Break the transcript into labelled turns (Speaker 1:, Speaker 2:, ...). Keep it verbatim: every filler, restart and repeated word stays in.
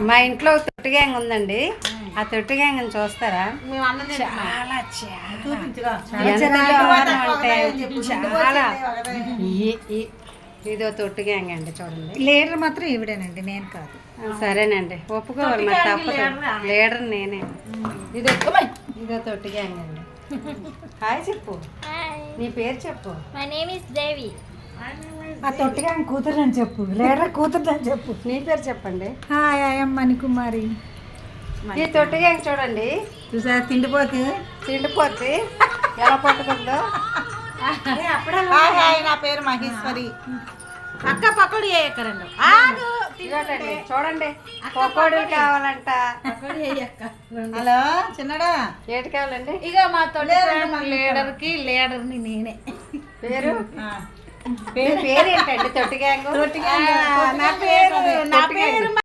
Speaker 1: మా ఇంట్లో తొట్టి గ్యాంగ్ ఉందండి. ఆ తొట్టి గ్యాంగ్ చూస్తారా? చాలా చాలా ఇదో తొట్టి గ్యాంగ్ అండి. చూడండి,
Speaker 2: లీడర్ మాత్రం ఈవిడేనండి, నేను కాదు.
Speaker 1: సరేనండి, ఒప్పుకోవాలి మరి తప్పదు. లీడర్ నేనే. ఇదో ఇదో తొట్టి గ్యాంగ్ అండి. హాయ్ చెప్పు, నీ పేరు చెప్పు.
Speaker 3: My name is Devi.
Speaker 2: ఆ తొట్టి గ్యాంగ్ కూతురు అని చెప్పు, లీడర్ కూతురు అని చెప్పు.
Speaker 1: నీ పేరు చెప్పండి.
Speaker 2: Hi I am Manikumari.
Speaker 1: ఈ తొట్టి గ్యాంగ్ చూడండి,
Speaker 2: చూసా తిండిపోతే
Speaker 1: తిండిపోతే ఎలా పట్టుకుందో.
Speaker 2: నా పేరు మహేశ్వరి.
Speaker 3: అక్క పకోడీ ఎక్కడండి?
Speaker 1: ఇదిగోండి, చూడండి పకోడీలు కావాలంట.
Speaker 2: హలో చిన్నడా,
Speaker 1: ఏటి కావాలండి?
Speaker 3: ఇక మా తోటి లీడర్ కి లీడర్ ని నేనే.
Speaker 1: పేరు పేరు ఏంటండి? తొట్టి గ్యాంగ్.
Speaker 2: నా పేరు నా పేరు